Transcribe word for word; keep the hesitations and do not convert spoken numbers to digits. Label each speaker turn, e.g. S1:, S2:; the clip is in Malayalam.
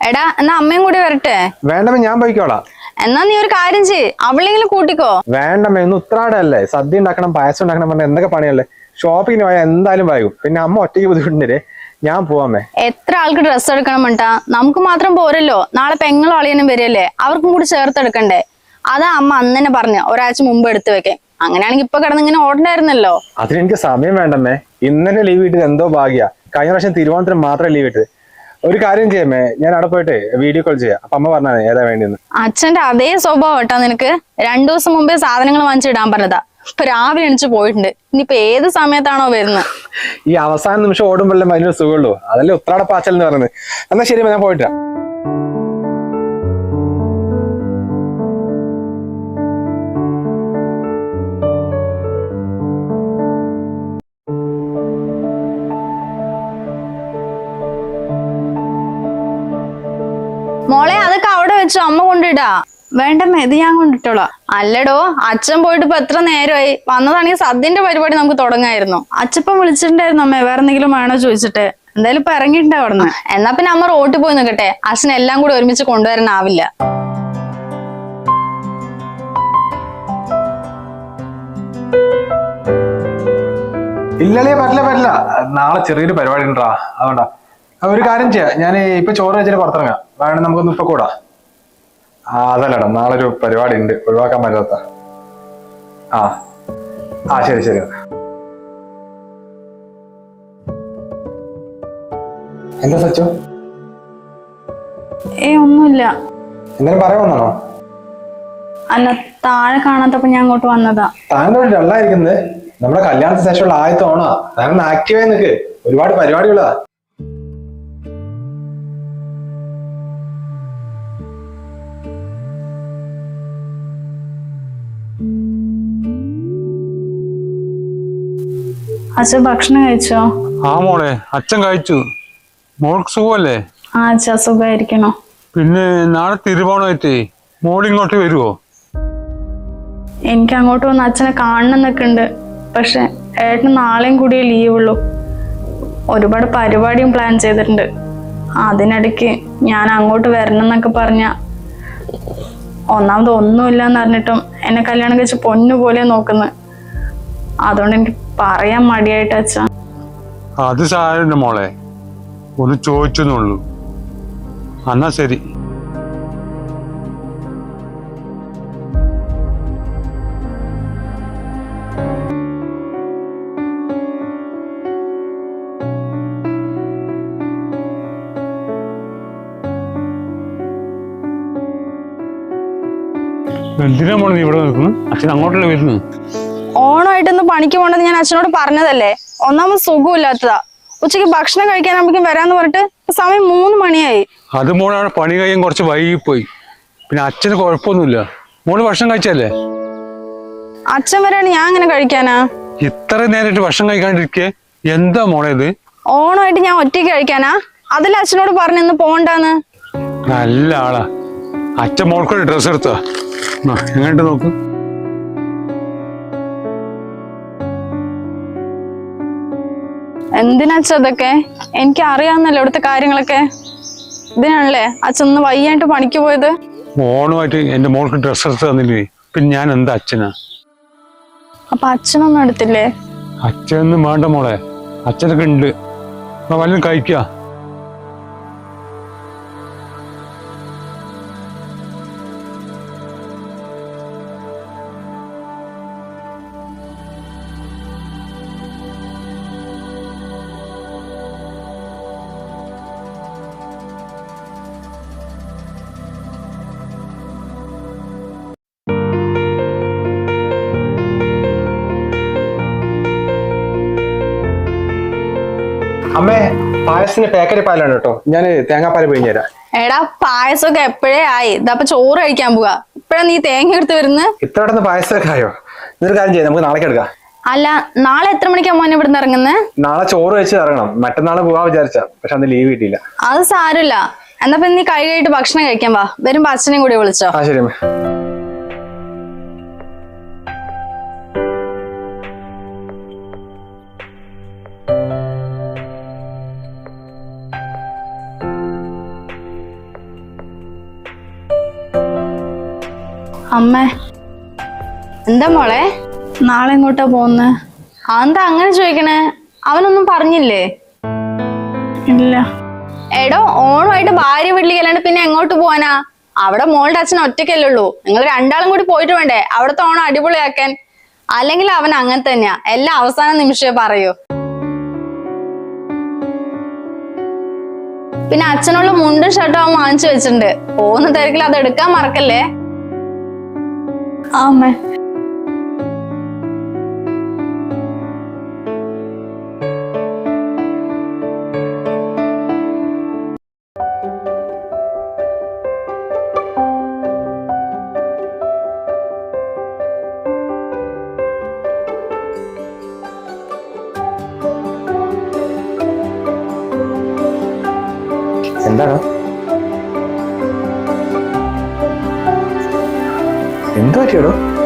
S1: എടാ എന്നാ അമ്മയും കൂടി വരട്ടെ.
S2: വേണ്ടമ്മ ഞാൻ പോയിക്കോളാം.
S1: എന്നാ നീ ഒരു കാര്യം ചെയ്യ്, അവളെങ്കിലും കൂട്ടിക്കോ.
S2: വേണ്ടമ്മ ഇന്ന് ഉത്രാടല്ലേ, സദ്യ ഉണ്ടാക്കണം, പായസം ഉണ്ടാക്കണം പറഞ്ഞ എന്തൊക്കെ പണിയല്ലേ. ഷോപ്പിങ്ങിന് പോയാൽ എന്തായാലും വൈകും. പിന്നെ അമ്മ ഒറ്റയ്ക്ക് ബുദ്ധിമുട്ടില്ലേ, ഞാൻ പോവാമേ.
S1: എത്ര ആൾക്ക് ഡ്രസ്സ് എടുക്കണം മട്ടാ, നമുക്ക് മാത്രം പോരല്ലോ. നാളെ പെങ്ങളും അളിയനും വരികയല്ലേ, അവർക്കും കൂടി ചേർത്തെടുക്കണ്ടേ. അതാ അമ്മ അന്ന് തന്നെ പറഞ്ഞു ഒരാഴ്ച മുമ്പ് എടുത്തു വെക്കേ. അങ്ങനെയാണെങ്കിൽ ഇപ്പൊ കിടന്ന് ഇങ്ങനെ ഓടണ്ടായിരുന്നല്ലോ.
S2: അതിനെനിക്ക് സമയം വേണ്ടമ്മേ. ഇന്നലെ ലീവ് കിട്ടിയത് എന്തോ ഭാഗ്യ. കഴിഞ്ഞ പ്രാവശ്യം തിരുവോണത്തിന് മാത്രമേ ലീവ് കിട്ടത്. ഒരു കാര്യം ചെയ്യാമേ, ഞാൻ അവിടെ പോയിട്ട് വീഡിയോ കോൾ ചെയ്യാം. അപ്പൊ അമ്മ പറഞ്ഞാൽ ഏതാ വേണ്ടിയെന്ന്.
S1: അച്ഛന്റെ അതേ സ്വഭാവം കേട്ടാ നിനക്ക്. രണ്ടു ദിവസം മുമ്പേ സാധനങ്ങൾ വാങ്ങിച്ചിടാൻ പറഞ്ഞതാ. ഇപ്പൊ രാവിലെ എണിച്ച് പോയിട്ടുണ്ട്. ഇനിയിപ്പൊ ഏത് സമയത്താണോ വരുന്നത്.
S2: ഈ അവസാന നിമിഷം ഓടുമ്പോഴല്ലേ അതിനൊരു സുഖമുള്ളൂ. അതല്ലേ ഉത്രാട പാച്ചൽ എന്ന് പറയുന്നത്. എന്നാ ശരി, ഞാൻ പോയിട്ടാ.
S1: മോളെ അതൊക്കെ അവിടെ വെച്ചു, അമ്മ കൊണ്ടിടാ. വേണ്ടമ്മ ഇത് ഞാൻ കൊണ്ടിട്ടോളാം. അല്ലടോ, അച്ഛൻ പോയിട്ട് ഇപ്പൊ എത്ര നേരമായി. വന്നതാണെങ്കിൽ സദ്യന്റെ പരിപാടി നമുക്ക് തുടങ്ങായിരുന്നു. അച്ഛപ്പം വിളിച്ചിട്ടുണ്ടായിരുന്നു അമ്മേ, വേറെ എന്തെങ്കിലും വേണോ ചോദിച്ചിട്ട്. എന്തായാലും ഇപ്പൊ ഇറങ്ങിയിട്ടുണ്ടാവും അവിടുന്ന്. എന്നാ പിന്നെ അമ്മ റോട്ടിൽ പോയി നിൽക്കട്ടെ, അച്ഛൻ എല്ലാം കൂടി ഒരുമിച്ച് കൊണ്ടുവരാനാവില്ല.
S2: ഇല്ലല്ലേ, പറ്റില്ല പറ്റില്ല. നാളെ ചെറിയൊരു പരിപാടി ഉണ്ടാ, അതുകൊണ്ടാ. ഒരു കാര്യം ചെയ്യാം, ഞാൻ ഇപ്പൊ ചോറ് വെച്ചിട്ട് പുറത്തിറങ്ങാം. വേണം നമുക്കൊന്ന് ഇപ്പൊ കൂടാ. ആ അതല്ലടാ, നാളെ ഒരു പരിപാടി ഉണ്ട്, ഒഴിവാക്കാൻ പറ്റാത്ത. ആ ആ ശരി ശരി. എന്താ സച്ചു?
S1: ഏ ഒന്നുമില്ല.
S2: എന്തായാലും പറയാൻ വന്നാണോ?
S1: അല്ല, താഴെ കാണാത്തപ്പോ ഞാൻ അങ്ങോട്ട് വന്നതാ.
S2: താങ്കൾ ഡള്ളായിരിക്കുന്നത്. നമ്മുടെ കല്യാണത്തിന് ശേഷമുള്ള ആദ്യത്തെ ഓണാ. താങ്കൾ ആക്റ്റീവായി നിൽക്ക്, ഒരുപാട് പരിപാടികളാ.
S1: അച്ഛൻ ഭക്ഷണം കഴിച്ചോ?
S3: ആ മോളെ, അച്ഛൻ കഴിച്ചു. മോൾക്ക് സുഖമല്ലേ?
S1: ആ അച്ഛാ, സുഖമായിരിക്കണോ?
S3: പിന്നെ നാളെ തിരുവോണമായിട്ടേ മോൾ ഇങ്ങോട്ട് വരുവോ?
S1: എനിക്ക് അങ്ങോട്ട് വന്ന് അച്ഛനെ കാണണം എന്നൊക്കെ ഉണ്ട്. പക്ഷെ ഏട്ടന് നാളെയും കൂടിയേ ലീവുള്ളൂ. ഒരുപാട് പരിപാടിയും പ്ലാൻ ചെയ്തിട്ടുണ്ട്. അതിനിടയ്ക്ക് ഞാൻ അങ്ങോട്ട് വരണം എന്നൊക്കെ പറഞ്ഞ, ഒന്നാമത് ഒന്നുമില്ല എന്ന് പറഞ്ഞിട്ടും എന്നെ കല്യാണം കഴിച്ച് പൊന്നു പോലെ നോക്കുന്നത്. അതുകൊണ്ട് എനിക്ക് പറയാൻ മടിയായിട്ട് അച്ഛാ.
S3: അത് സാരമില്ല മോളെ, ഒന്ന് ചോദിച്ചെന്നുള്ളൂ. എന്നാ ശരി. എന്തിനാ മോളെ നീ ഇവിടെ നിൽക്കുന്നു? അച്ഛൻ അങ്ങോട്ടല്ലേ വരുന്നു.
S1: ഓണമായിട്ടൊന്ന് പണിക്ക് പോകേണ്ടത് ഞാൻ അച്ഛനോട് പറഞ്ഞതല്ലേ. ഒന്നാമത് സുഖമില്ലാത്തതാ. ഉച്ചയ്ക്ക് ഭക്ഷണം കഴിക്കാനാകുമ്പോഴേക്കും വരാന്ന് പറഞ്ഞിട്ട് സമയം മൂന്ന് മണിയായി.
S3: അത് മോളാണ് പണി കഴിയാൻ കുറച്ച് വൈകിപ്പോയി. പിന്നെ അച്ഛന് കുഴപ്പമൊന്നുമില്ല. മോള് ഭക്ഷണം കഴിച്ചല്ലേ?
S1: അച്ഛൻ വരാണ്, ഞാൻ അങ്ങനെ കഴിക്കാനാ?
S3: ഇത്ര നേരമായിട്ട് ഭക്ഷണം കഴിക്കാണ്ടിരിക്കേ, എന്താ മോളെ ഇത്?
S1: ഓണമായിട്ട് ഞാൻ ഒറ്റയ്ക്ക് കഴിക്കാനാ? അതല്ല അച്ഛനോട് പറഞ്ഞെന്ന് പോണ്ടാന്ന്.
S3: നല്ല ആളാ. അച്ഛൻ മോൾക്കൊരു ഡ്രസ്സ് എടുത്താ, എങ്ങോട്ട് നോക്ക്.
S1: എന്തിനാച്ച അതൊക്കെ? എനിക്ക് അറിയാവുന്നല്ലോ ഇവിടുത്തെ കാര്യങ്ങളൊക്കെ. ഇതിനാണല്ലേ അച്ഛൻ ഒന്ന് വയ്യായിട്ട് പണിക്ക് പോയത്.
S3: ഓണമായിട്ട് എന്റെ മോൾക്ക് ഡ്രസ്സ് എടുത്ത് തന്നില്ലേ, പിന്നെ ഞാൻ എന്താ അച്ഛനാ?
S1: അപ്പൊ അച്ഛനൊന്നും എടുത്തില്ലേ?
S3: അച്ഛനൊന്നും വേണ്ട മോളെ, അച്ഛനൊക്കെ ഉണ്ട്. വല്ലതും കഴിക്കുക.
S2: അമ്മേ, പായസത്തിന്റെ പാക്കറ്റ് പാലാണ് കേട്ടോ. ഞാൻ തേങ്ങാപ്പാല് പിഴിഞ്ഞു തരാം.
S1: എടാ, പായസമൊക്കെ എപ്പോഴേ ആയി. ഇതപ്പൊ ചോറ് കഴിക്കാൻ പോവാ. ഇപ്പഴാ നീ തേങ്ങ എടുത്ത് വരുന്നത്?
S2: ഇത്ര പെട്ടെന്ന് പായസമൊക്കെ ആയോ? ഇതൊരു കാര്യം ചെയ്യാം, നമുക്ക് നാളേക്ക് എടുക്കാം.
S1: അല്ല, നാളെ എത്ര മണിക്കാ മോനെ ഇവിടുന്ന് ഇറങ്ങുന്നത്?
S2: നാളെ ചോറ് വെച്ച് ഇറങ്ങണം. മറ്റന്നാള് പോവാ വിചാരിച്ച, പക്ഷെ അന്ന് ലീവ് കിട്ടിയില്ല.
S1: അത് സാരമില്ല. എന്നാ പിന്നെ നീ കൈ കഴിയിട്ട് ഭക്ഷണം കഴിക്കാൻ വാ. വരുമ്പോ അച്ഛനെയും കൂടി വിളിച്ചോ.
S2: ആ ശരി അമ്മേ.
S1: അമ്മേ, എന്താ മോളെ നാളെ എങ്ങോട്ടാ പോകുന്നെ? അതെന്താ അങ്ങനെ ചോദിക്കണേ? അവനൊന്നും പറഞ്ഞില്ലേ? ഇല്ല. എടോ, ഓണമായിട്ട് ഭാര്യ വീട്ടിലേക്കല്ലാണ്ട് പിന്നെ എങ്ങോട്ട് പോവാനാ? അവിടെ മോളുടെ അച്ഛൻ ഒറ്റയ്ക്കല്ലേ ഉള്ളൂ. നിങ്ങൾ രണ്ടാളും കൂടി പോയിട്ട് വേണ്ടേ അവിടുത്തെ ഓണം അടിപൊളിയാക്കാൻ? അല്ലെങ്കിൽ അവൻ അങ്ങനെ തന്നെയാ, എല്ലാം അവസാന നിമിഷമേ പറയൂ. പിന്നെ അച്ഛനുള്ള മുണ്ടും ഷർട്ടും അവൻ വാങ്ങിച്ചു വെച്ചിട്ടുണ്ട്. പോകുന്ന തിരക്കിൽ അത് എടുക്കാൻ മറക്കല്ലേ. ആമേ.
S2: എന്താണ്? എന്ത് പറ്റിയടോ?